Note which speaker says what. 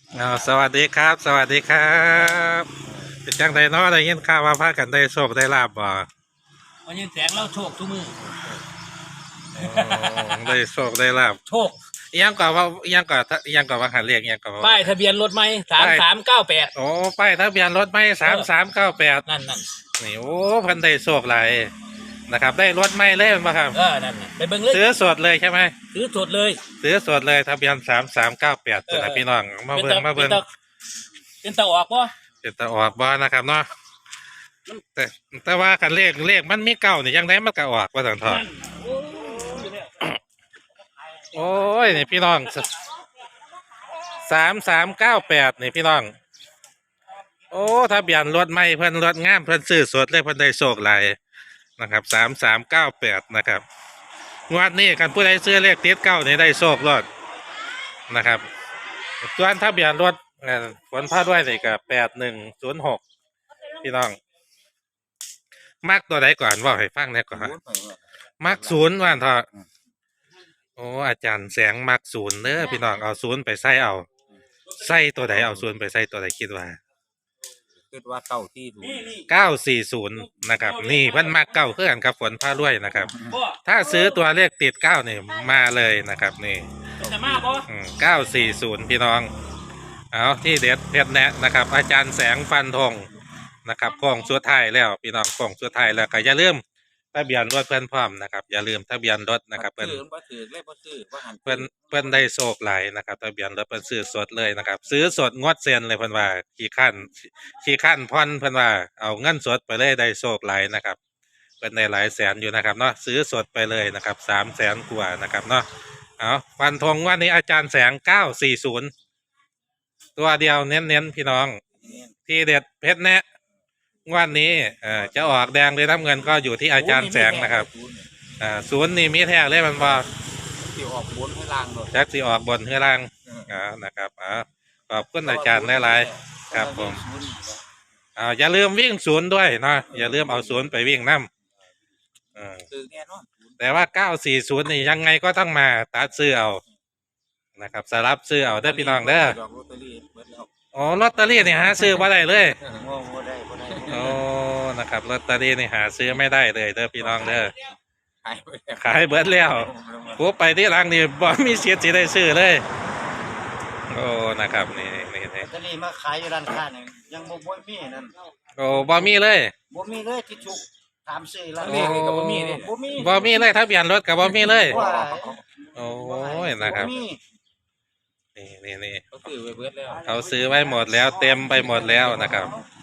Speaker 1: สวัสดีครับสวัสดีครับเป็นจังไดเนาะได้ยินข่าวว่าพากันได้โชคได้ลาบบ่
Speaker 2: วันนี้แสงเราโชคทุกมือ
Speaker 1: ได้โชคได้ลาบ
Speaker 2: โชค
Speaker 1: อิหยังก่อนว่าอิหยังก่อนอิหยังก่อนว่าหันเรียกอิหยังก่อนว่า
Speaker 2: ป้ายทะเบียนรถไหม3398
Speaker 1: โอ้ป้ายทะเบียนรถไม่3398
Speaker 2: นั่น
Speaker 1: นี่โอ้เพิ่นได้โชคหลายนะครับได้รถไม่เลยมั้งครับ
Speaker 2: นั่นไปเบิ่งเลย
Speaker 1: ซื้อสดเลยใช่ไหม
Speaker 2: ซื้อสดเลย
Speaker 1: ซื้อสดเลยทะเบียน3398ตัวนะพี่น้องมาเบิ่ง
Speaker 2: เป็นตาออกป่ะ
Speaker 1: เป็นตาออกบ่นะครับเนาะแต่แต่ว่าคันเลขมันมีเก้านี่ยังไดมันก็ออกว่าซั่นเถาะโอ้ยนี่พี่น้อง3398นี่พี่น้องโอ้ทะเบียนรถไม่เพิ่นรถงามเพิ่นซื้อสดเลยเพิ่นได้โชคหลายนะครับ3398นะครับงวดนี้คันผู้ใดซื้อเลขติดเก้านี่ได้โชครถนะครับส่วนทะเบียนรถผลพาด้วยนี่ก็8106พี่น้องมักตัวใดก่อนเว้าให้ฟังแหน่ก่อนมักศูนย์ว่าเถอะโอ้อาจารย์แสงมักศูนย์เด้อพี่น้องเอาศูนย์ไปใส่เอาใส่ตัวใดเอาศูนย์ไปใส่ตัวใดคิดว่า940นะครับนี่เพิ่นมักเก้าคือกันกับฝนพารวยนะครับถ้าซื้อตัวเลขติด9นี่มาเลยนะครับนี่
Speaker 2: จะมาป่ะ
Speaker 1: 940พี่น้องเอาที่เด็ดเพชรแนะนะครับอาจารย์แสงฟันธงนะครับกล่องสุดท้ายแล้วพี่น้องกล่องสุดท้ายแล้วก็อย่าลืมทะเบียนรถเพื่อนพร้อมนะครับอย่าลืมทะเบียนรถนะครับเพื่อนได้โชคหลายนะครับทะเบียนรถเพื่อนซื้อสดเลยนะครับซื้อสดงดเซ็นเลยเพื่อนว่าขี่ขั้นพ่อนเพื่อนว่าเอาเงินสดไปเลยได้โชคหลายนะครับเพื่อนได้หลายแสนอยู่นะครับเนาะซื้อสดไปเลยนะครับ300,000กว่านะครับเนาะเอาฟันธงวันนี้อาจารย์แสง940ตัวเดียวเน้นพี่น้องที่เด็ดเพชรแนะวันนี้จะออกแดงหรือน้ำเงินก็อยู่ที่อาจารย์แสงนะครับศูนย์นี่มีแท้เลยมันบอก
Speaker 2: สิออกบนให้ล่างเลย
Speaker 1: จักสิออกบนให้ล่างนะครับขอบคุณอาจารย์หลายๆครับผมอย่าลืมวิ่งศูนย์ด้วยนะอย่าลืมเอาศูนย์ไปวิ่งน้ำแต่ว่า940นี่ยังไงก็ต้องมาตัดซื้อเอานะครับสลับซื้อเอาได้พี่น้องเด้ออ๋อลอตเตอรี่นี่หาซื้อมาได้เลยโอ้นะครับลอตเตอรี่นี่หาซื้อไม่ได้เลยเด้อพี่น้องเด้อขายเบิดแล้วผู้ไปที่ร้านนี่บ่มีเสียสิได้ซื้อเลยโอ้นะครับนี่ลอ
Speaker 2: ตเตอรี่มาขายอยู่ร้านค้านี่ยังบ่มีนั่น
Speaker 1: โอ้บ่มีเลย
Speaker 2: ที่ถูกถามซื้อแล้วนี่ก็บ่มีนี่
Speaker 1: บ่มีเลยทะเบียนรถก็บ่มีเลยโอ้ยนะครับนี่เขาซื้อไว้หมดแล้วเต็มไปหมดแล้วนะครับ